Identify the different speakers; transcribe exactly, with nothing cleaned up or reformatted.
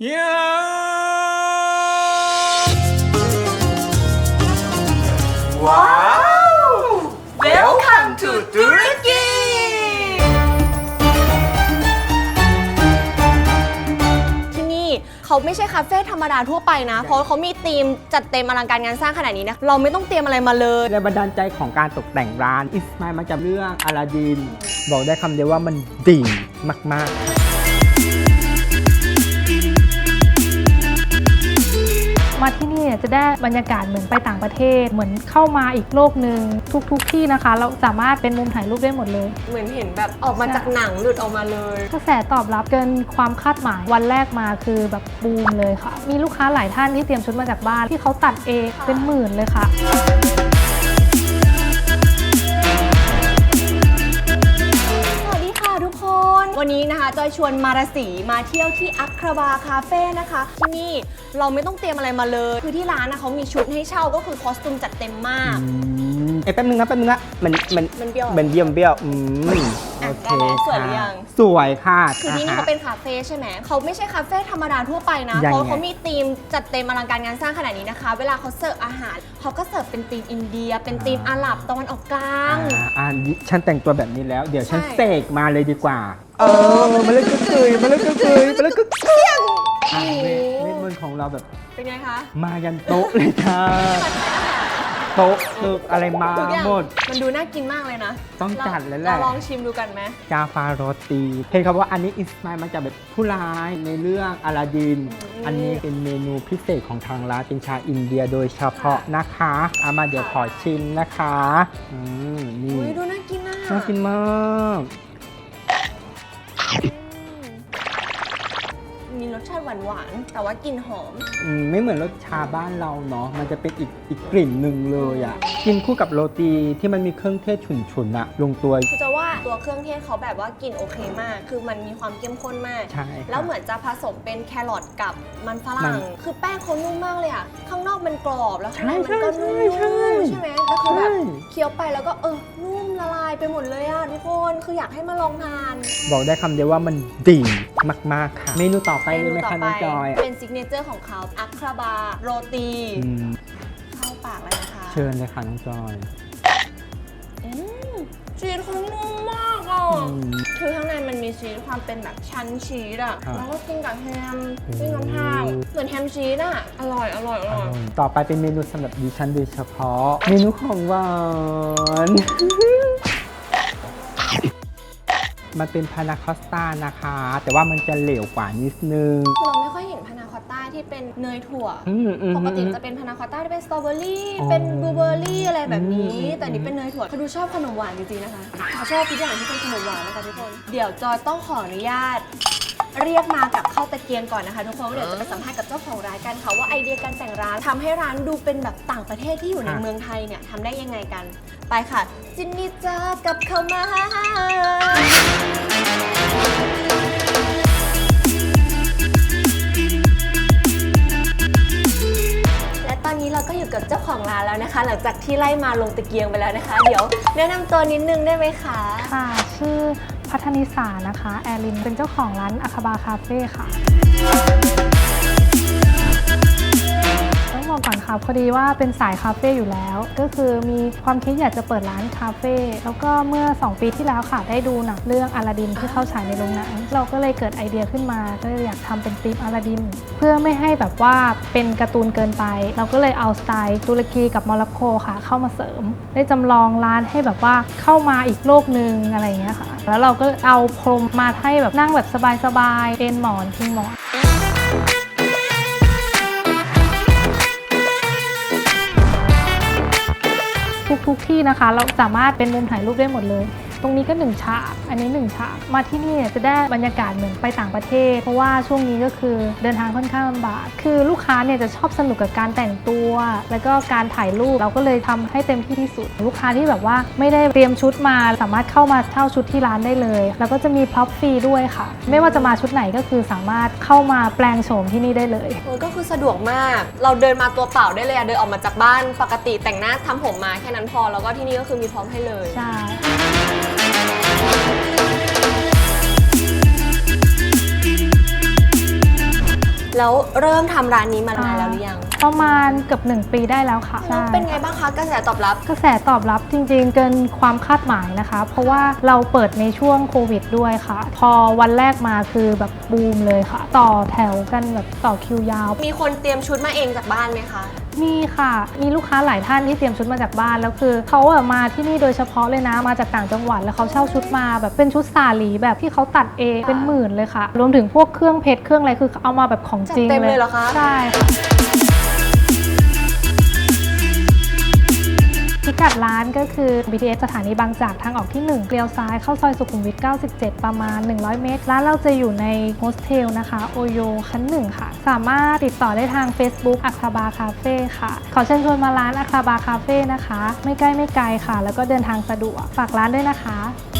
Speaker 1: ว้าว Welcome to ตุรกี
Speaker 2: ที่นี่เขาไม่ใช่คาเฟ่ธรรมดาทั่วไปนะ เพราะเขามีธีมจัดเต็มอลังการงานสร้างขนาดนี้นะ เราไม่ต้องเตรียมอะไรมาเลย
Speaker 3: แรงบันดาลใจของการตกแต่งร้านอิสมามาจากเรื่องอลาดินบอกได้คำเดียวว่ามันดีมากๆ
Speaker 4: มาที่นี่จะได้บรรยากาศเหมือนไปต่างประเทศเหมือนเข้ามาอีกโลกหนึ่งทุกๆที่นะคะเราสามารถเป็นมุมถ่ายรูปได้หมดเลย
Speaker 2: เหมือนเห็นแบบออกมาจากหนังหลุดออกมาเลย
Speaker 4: กระแสตอบรับเกินความคาดหมายวันแรกมาคือแบบบูมเลยค่ะมีลูกค้าหลายท่านที่เตรียมชุดมาจากบ้านที่เขาตัดเองเป็นหมื่นเลยค่ะ
Speaker 2: ทุกคน วันนี้นะคะจอยชวนมาราศีมาเที่ยวที่อัคราบาคาเฟ่นะคะที่นี่เราไม่ต้องเตรียมอะไรมาเลยคือที่ร้านนะเขามีชุดให้เช่าก็คือคอสตูมจัดเต็มมาก
Speaker 3: เอ้ยแป๊บนึงนะแป๊บนึงนะมันมัน
Speaker 2: มันเบี้ยว
Speaker 3: มันเบี้ยวเบี้ยวอืม
Speaker 2: อ่ะ
Speaker 3: โอเค
Speaker 2: สวยหรือยัง
Speaker 3: สวยค่ะ
Speaker 2: คือที่นี่เขาเป็นคาเฟ่ใช่ไหมเขาไม่ใช่คาเฟ่ธรรมดาทั่วไปนะ
Speaker 3: ยังไง
Speaker 2: เพราะเขามีธีมจัดเต็มอลังการงานสร้างขนาดนี้นะคะ เวลาเขาเสิร์ฟอาหารเขาก็เสิร์ฟเป็นธีมอินเดีย เป็นธีมอาหรับตะวันออกกลาง
Speaker 3: อ่าอ่าฉันแต่งตัวแบบนี้แล้ว เดี๋ยวฉัน
Speaker 2: ใช่
Speaker 3: เสกมาเลยดีกว่า เออมาเล่นกึกกยมาเล่นกึกกยมาเล่นกึกกยอ่าเวทเวทมนต์ของเราแบบ
Speaker 2: เป็นไงคะ
Speaker 3: มายันโต๊ะเลยค่ะโต๊ะตึกอะไรมา
Speaker 2: ทุกอย่าง
Speaker 3: หมด
Speaker 2: มันดูน่ากินมากเลยนะ
Speaker 3: ต้องจัดแล้วแหละ
Speaker 2: เราลองชิมดูกันไหม
Speaker 3: จาฟาโรตีเห็นครับว่าอันนี้อินสปายมาจากแบบผู้ร้ายในเรื่องอลาดิน อันนี้เป็นเมนูพิเศษของทางร้านเป็นชาอินเดียโดยเฉพาะนะคะเอามาเดี๋ยวขอชิมนะคะอืมนี่
Speaker 2: อุ้ยดูน่ากินนะ
Speaker 3: น่ากินมาก
Speaker 2: มีรสชาติหวานๆแต่ว่ากลิ่นหอม
Speaker 3: อืมไม่เหมือนรสชาบ้านเราเนาะมันจะเป็นอีกอีกกลิ่นหนึ่งเลยอ่ะกินคู่กับโรตีที่มันมีเครื่องเทศฉุนๆอะลงตัว
Speaker 2: คือจะว่าตัวเครื่องเทศเขาแบบว่ากลิ่นโอเคมาก คือมันมีความเข้มข้นมาก
Speaker 3: ใช่ค่ะ
Speaker 2: แล้วเหมือนจะผสมเป็นแครอทกับมันฝ
Speaker 3: มั
Speaker 2: รั่ง
Speaker 3: น
Speaker 2: คือแป้งเขานุ่มมากเลยอ่ะ ข้างนอกมันกรอบแล้วข้างใน
Speaker 3: ใช่
Speaker 2: มันก็นุ่ม
Speaker 3: ใช่
Speaker 2: ๆ
Speaker 3: ใช่
Speaker 2: ใช่ไหมแล้วคือแบบ
Speaker 3: ใช่
Speaker 2: เคี้ยวไปแล้วก็เออ นุ่มละลายไปหมดเลยอ่ะทุกคน คืออยากให้มาลองทาน
Speaker 3: บอกได้คำเดียวว่ามันดีมากๆค่ะ เมนูต่อไปเลยไหมคะน้องจอย
Speaker 2: เป็นซิกเนเจอร์ของเขาอัคราบาโรตี
Speaker 3: อืม
Speaker 2: เข้าปากเลยนะคะ
Speaker 3: เชิญเลยค่ะน้องจอย
Speaker 2: อืมชีสเขานุ่มมากอ่ะ
Speaker 3: อืม
Speaker 2: คือข้างในมันมีชีสความเป็นแบบชั้นชีสอ่ะ
Speaker 3: ครับ
Speaker 2: แล้วก็กินกับแฮม
Speaker 3: โอ้
Speaker 2: กินกับข้าวเหมือนแฮมชีสอ่ะ อร่อย อร่อย อร่อย
Speaker 3: ต่อไปเป็นเมนูสำหรับดิฉันโดยเฉพาะ เมนูของหวาน มันเป็นพานาคอสต้านะคะ แต่ว่ามันจะเหลวกว่านิดนึง
Speaker 2: คือเราไม่ค่อยเห็นพานาคอตต้าที่เป็นเนยถั่ว
Speaker 3: อืมอืม
Speaker 2: ปกติ
Speaker 3: อืม
Speaker 2: จะเป็นพานาคอตต้าที่เป็นสตรอเบอรี่
Speaker 3: อ๋อ
Speaker 2: เป็นบลูเบอร์รี่อะไรแบบนี้
Speaker 3: อืม
Speaker 2: แต่นี่เป็นเนยถั่วเขาดูชอบขนมหวานจริงๆนะคะเขาชอบทุกอย่างที่เป็นขนมหวานนะคะทุกคน เดี๋ยวจอยต้องขออนุญาต เรียกมากับข้าวตะเกียงก่อนนะคะทุกคนเดี๋ยวจะไปสัมภาษณ์กับเจ้าของร้านกันค่ะว่าไอเดียการแต่งร้านทำให้ร้านดูเป็นแบบต่างประเทศที่อยู่ในเมืองไทยเนี่ยทำได้ยังไงกัน ไปค่ะ จินนี่จ้ากับเข้ามาและตอนนี้เราก็อยู่กับเจ้าของร้านแล้วนะคะ หลังจากที่ไล่มาลงตะเกียงไปแล้วนะคะ เดี๋ยวแนะนำตัวนิดนึงได้ไหมคะ
Speaker 4: ค่ะชื่อพัฒนิสานะคะแอลินเป็นเจ้าของร้านอาคาบาคาเฟ่ค่ะต้องบอกก่อนค่ะพอดีว่าเป็นสายคาเฟ่อยู่แล้ว ก็คือมีความคิดอยากจะเปิดร้านคาเฟ่แล้วก็เมื่อสองปีที่แล้วค่ะได้ดูหนังเรื่องอลาดินที่เข้าฉายในโรงหนังเราก็เลยเกิดไอเดียขึ้นมาก็เลยอยากทำเป็นธีมอลาดินเพื่อไม่ให้แบบว่าเป็นการ์ตูนเกินไป เราก็เลยเอาสไตล์ตุรกีกับโมร็อกโกค่ะเข้ามาเสริม ได้จำลองร้านให้แบบว่าเข้ามาอีกโลกหนึ่งอะไรอย่างเงี้ยค่ะแล้วเราก็เอาพรมมาให้แบบนั่งแบบสบายๆเป็นหมอนพิงหมอนทุกๆที่นะคะเราสามารถเป็นมุมถ่ายรูปได้หมดเลย ตรงนี้ก็หนึ่งฉากอันนี้หนึ่งฉากมาที่นี่จะได้บรรยากาศเหมือนไปต่างประเทศเพราะว่าช่วงนี้ก็คือเดินทางค่อนข้างลำบากคือลูกค้าเนี่ยจะชอบสนุกกับการแต่งตัวแล้วก็การถ่ายรูปเราก็เลยทำให้เต็มที่ที่สุดลูกค้าที่แบบว่าไม่ได้เตรียมชุดมาสามารถเข้ามาเช่าชุดที่ร้านได้เลยแล้วก็จะมีพร็อพฟรีด้วยค่ะไม่ว่าจะมาชุดไหนก็คือสามารถเข้ามาแปลงโฉมที่นี่ได้เลย
Speaker 2: โอ้ก็คือสะดวกมาก เราเดินมาตัวเปล่าได้เลยอะเดินออกมาจากบ้านปกติแต่งหน้าทำผมมาแค่นั้นพอ แล้วก็ที่นี่ก็คือมีพร้อมให้เลย
Speaker 4: ใช่
Speaker 2: อแล้วเริ่มทำร้านนี้มานานแล้วหรือยัง
Speaker 4: ประมาณเกือบหนึ่งปีได้แล้วค่ะ
Speaker 2: แล้วเป็นไงบ้างคะกระแสตอบรับ
Speaker 4: กระแสตอบรับจริงๆเกินความคาดหมายนะคะ เพราะว่าเราเปิดในช่วงโควิดด้วยค่ะ พอวันแรกมาคือแบบบูมเลยค่ะ ต่อแถวกันแบบต่อคิวยาว
Speaker 2: มีคนเตรียมชุดมาเองจากบ้านไหมคะ
Speaker 4: มีค่ะ มีลูกค้าหลายท่านที่เตรียมชุดมาจากบ้านแล้วคือเขาอะมาที่นี่โดยเฉพาะเลยนะมาจากต่างจังหวัดแล้วเขาเช่าชุดมาแบบเป็นชุดสาหลีแบบที่เขาตัดเองเป็นหมื่นเลยค่ะ รวมถึงพวกเครื่องเพชรเครื่องอะไรคือเอามาแบบของจริง
Speaker 2: จัดเต็มเลยเหรอคะ
Speaker 4: ใช่ค่ะพิกัดร้านก็คือ บี ที เอส สถานีบางจากทางออกที่หนึ่งเลี้ยวซ้ายเข้าซอยสุขุมวิทเก้าสิบเจ็ดประมาณหนึ่งร้อยเมตรร้านเราจะอยู่ในโฮสเทลนะคะโอโยชั้นหนึ่งค่ะสามารถติดต่อได้ทาง Facebook อัคราบาคาเฟ่ค่ะขอเชิญชวนมาร้านอัคราบาคาเฟ่นะคะไม่ใกล้ไม่ไกลค่ะแล้วก็เดินทางสะดวกฝากร้านด้วยนะคะ